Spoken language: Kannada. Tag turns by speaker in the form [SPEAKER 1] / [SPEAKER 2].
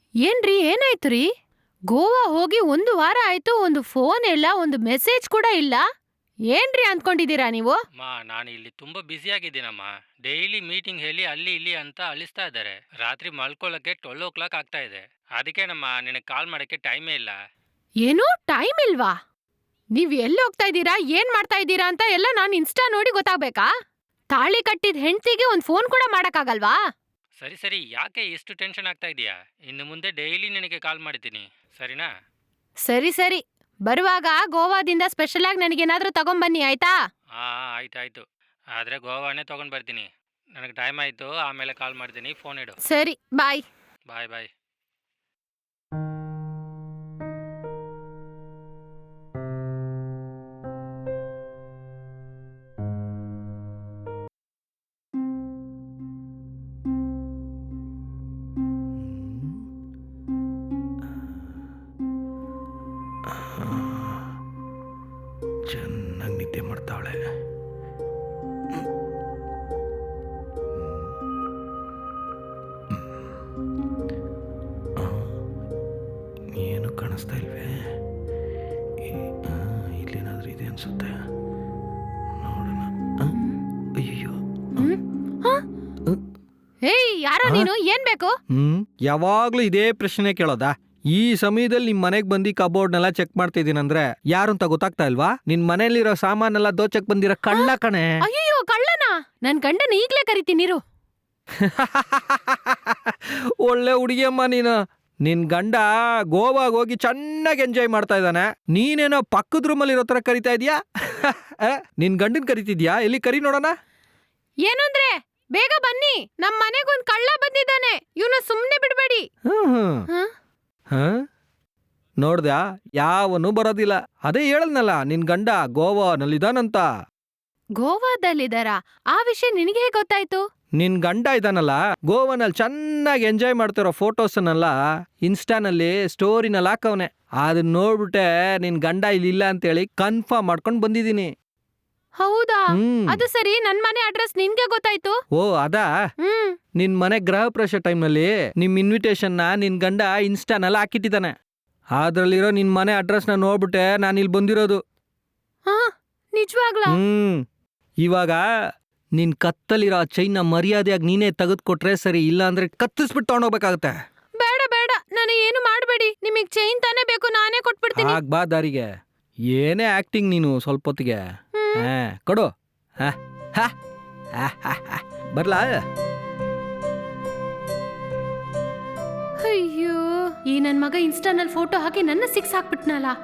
[SPEAKER 1] ಏನ್ರಿ ಏನಾಯ್ತು ರೀ? ಗೋವಾ ಹೋಗಿ 1 ವಾರ ಆಯ್ತು, ಒಂದು ಫೋನ್ ಇಲ್ಲ, ಒಂದು ಮೆಸೇಜ್ ಕೂಡ ಇಲ್ಲ. ಏನ್ರಿ ಅಂದ್ಕೊಂಡಿದ್ದೀರಾ ನೀವು?
[SPEAKER 2] ನಾನು ಇಲ್ಲಿ ತುಂಬಾ ಬ್ಯುಸಿ ಆಗಿದ್ದೀನಮ್ಮ. ಡೈಲಿ ಮೀಟಿಂಗ್ ಹೇಳಿ ಅಲ್ಲಿ ಇಲ್ಲಿ ಅಂತ ಅಳಿಸ್ತಾ ಇದ್ದಾರೆ. ರಾತ್ರಿ ಮಲ್ಕೊಳ್ಳೋಕೆ 12 ಆಗ್ತಾ ಇದೆ. ಅದಕ್ಕೇನಮ್ಮ ನಿನಗೆ ಕಾಲ್ ಮಾಡಕ್ಕೆ ಟೈಮೇ ಇಲ್ಲ.
[SPEAKER 1] ಏನು ಟೈಮ್ ಇಲ್ವಾ? ನೀವ್ ಎಲ್ಲಿ ಹೋಗ್ತಾ ಇದ್ದೀರಾ, ಏನ್ ಮಾಡ್ತಾ ಇದ್ದೀರಾ ಅಂತ ಎಲ್ಲ ನಾನ್ ಇನ್ಸ್ಟಾ ನೋಡಿ ಗೊತ್ತಾಗ್ಬೇಕಾ? ತಾಳಿ ಕಟ್ಟಿದ ಹೆಂಡ್ತಿಗೆ ಒಂದ್ ಫೋನ್ ಕೂಡ ಮಾಡಕ್ಕಾಗಲ್ವಾ?
[SPEAKER 2] ಸರಿ ಸರಿ, ಯಾಕೆ ಎಷ್ಟು ಟೆನ್ಷನ್ ಆಗ್ತಾ ಇದೀಯಾ? ಇನ್ನು ಮುಂದೆ ಡೈಲಿ ನಿನಗೆ ಕಾಲ್ ಮಾಡಿದ್ದೀನಿ, ಸರಿನಾ?
[SPEAKER 1] ಸರಿ ಸರಿ, ಬರುವಾಗ ಗೋವಾದಿಂದ ಸ್ಪೆಷಲ್ ಆಗಿ ನನಗೇನಾದ್ರೂ ತಗೊಂಬನ್ನಿ ಆಯ್ತಾ?
[SPEAKER 2] ಹಾ, ಆಯ್ತಾಯ್ತು. ಆದ್ರೆ ಗೋವಾನೇ ತಗೊಂಡ್ ಬರ್ತೀನಿ. ನನಗೆ ಟೈಮ್ ಆಯ್ತು, ಆಮೇಲೆ ಕಾಲ್ ಮಾಡ್ತೀನಿ. ಫೋನ್ ಇಡು.
[SPEAKER 1] ಸರಿ, ಬಾಯ್.
[SPEAKER 2] ಬಾಯ್ ಬಾಯ್.
[SPEAKER 3] ಚೆನ್ನಾಗಿ ನಿದ್ದೆ ಮಾಡ್ತಾವಳೆ. ಏನು ಕಾಣಿಸ್ತಾ ಇಲ್ವೇ? ಇಲ್ಲೇನಾದ್ರೂ ಇದೆ ಅನ್ಸುತ್ತೆ, ನೋಡೋಣ. ಅಯ್ಯೋ,
[SPEAKER 1] ಏಯ್, ಯಾರೋ ನೀನು? ಏನ್ ಬೇಕು?
[SPEAKER 3] ಯಾವಾಗ್ಲೂ ಇದೇ ಪ್ರಶ್ನೆ ಕೇಳೋದಾ? ಈ ಸಮಯದಲ್ಲಿ ನಿಮ್ ಮನೆಗ್ ಬಂದು ಕಬೋರ್ಡ್ನೆಲ್ಲ ಚೆಕ್ ಮಾಡ್ತಾ ಇದೀನಂದ್ರೆ ಯಾರು ಅಂತ ಗೊತ್ತಾಗ್ತಾ ಇಲ್ವಾ? ನಿನ್ ಮನೇಲಿರೋ ಸಾಮಾನೆಲ್ಲ ದೋಚಕ್ ಬಂದಿರೋ ಕಳ್ಳ ಕಣೆ.
[SPEAKER 1] ಅಯ್ಯೋ, ಕಳ್ಳನಾ? ನನ್ ಗಂಡನ ಈಗ್ಲೇ ಕರಿತೀನಿರು.
[SPEAKER 3] ಒಳ್ಳೆ ಹುಡುಗಿಯಮ್ಮ ನೀನು. ನಿನ್ ಗಂಡ ಗೋವಾಗ್ ಹೋಗಿ ಚೆನ್ನಾಗಿ ಎಂಜಾಯ್ ಮಾಡ್ತಾ ಇದ್ದಾನೆ, ನೀನೇನೋ ಪಕ್ಕದ ರೂಮಲ್ಲಿ ಇರೋ ತರ ಕರಿತಾ ಇದೀಯಾ. ನಿನ್ ಗಂಡನ್ ಕರಿತಿದ್ಯಾ? ಎಲ್ಲಿ ಕರಿ ನೋಡೋಣ.
[SPEAKER 1] ಏನಂದ್ರೆ? ಬೇಗ ಬನ್ನಿ, ನಮ್ ಮನೆಗೊಂದ್ ಕಳ್ಳ ಬಂದಿದ್ದಾನೆ, ಇವನು ಸುಮ್ನೆ ಬಿಡ್ಬೇಡಿ.
[SPEAKER 3] ನೋಡ್ದ್ಯಾ, ಯಾವನು ಬರೋದಿಲ್ಲ. ಅದೇ ಹೇಳದ್ನಲ್ಲ, ನಿನ್ ಗಂಡ ಗೋವಾನಲ್ಲಿದಾನಂತ.
[SPEAKER 1] ಗೋವಾದಲ್ಲಿದಾರ? ಆ ವಿಷಯ ನಿನಗೆ ಹೇಗೆ ಗೊತ್ತಾಯ್ತು?
[SPEAKER 3] ನಿನ್ ಗಂಡ ಇದಾನಲ್ಲ, ಗೋವಾನಲ್ಲಿ ಚೆನ್ನಾಗಿ ಎಂಜಾಯ್ ಮಾಡ್ತಿರೋ ಫೋಟೋಸ್ನೆಲ್ಲ ಇನ್ಸ್ಟಾನಲ್ಲಿ ಸ್ಟೋರಿನಲ್ಲಿ ಹಾಕವನೆ. ಅದನ್ನ ನೋಡ್ಬಿಟ್ಟೆ ನಿನ್ ಗಂಡ ಇಲ್ಲಿಲ್ಲ ಅಂತೇಳಿ ಕನ್ಫರ್ಮ್ ಮಾಡ್ಕೊಂಡ್ ಬಂದಿದೀನಿ.
[SPEAKER 1] ಹೌದಾ? ಅದು ಸರಿ, ನನ್ ಮನೆ ಅಡ್ರೆಸ್ ನಿನ್ಗೆ ಗೊತ್ತಾಯ್ತು?
[SPEAKER 3] ಓ ಅದಾ? ನಿನ್ ಮನೆ ಗೃಹ ಪ್ರವೇಶ ಟೈಮ್ನಲ್ಲಿ ನಿಮ್ ಇನ್ವಿಟೇಷನ್ನ ನಿನ್ ಗಂಡ ಇನ್ಸ್ಟಾನಲ್ಲಿ ಹಾಕಿಟ್ಟಿದ್ದಾನೆ. ಅದ್ರಲ್ಲಿರೋ ನಿನ್ ಮನೆ ಅಡ್ರೆಸ್ನ ನೋಡ್ಬಿಟ್ಟೆ ನಾನು ಇಲ್ಲಿ ಬಂದಿರೋದು.
[SPEAKER 1] ನಿಜವಾಗ್ಲಾ?
[SPEAKER 3] ಇವಾಗ ನಿನ್ ಕತ್ತಲಿರೋ ಚೈನ್ನ ಮರ್ಯಾದೆಯಾಗಿ ನೀನೇ ತೆಗೆದುಕೊಟ್ರೆ ಸರಿ, ಇಲ್ಲ ಅಂದ್ರೆ ಕತ್ತಿಸ್ಬಿಟ್ಟು ತಗೊಂಡೋಗ್ಬೇಕಾಗತ್ತೆ.
[SPEAKER 1] ಬೇಡ ಬೇಡ, ನಾನು ಏನು ಮಾಡಬೇಡಿ. ನಿಮಗ್ ಚೈನ್ ತಾನೇ ಬೇಕು, ನಾನೇ ಕೊಟ್ಬಿಡ್ತೀನಿ.
[SPEAKER 3] ಆಗ್ ಬಾ ದಾರಿಗೆ. ಏನೇ ಆಕ್ಟಿಂಗ್ ನೀನು ಸ್ವಲ್ಪ ಹೊತ್ತಿಗೆ. ಕೊಡು. ಬರ್ಲಾ?
[SPEAKER 1] ಅಯ್ಯೋ, ಈ ನನ್ ಮಗ ಇನ್ಸ್ಟಾನಲ್ಲಿ ಫೋಟೋ ಹಾಕಿ ನನ್ನ ಸಿಕ್ಸ್ ಹಾಕ್ಬಿಟ್ನಲ್ಲ.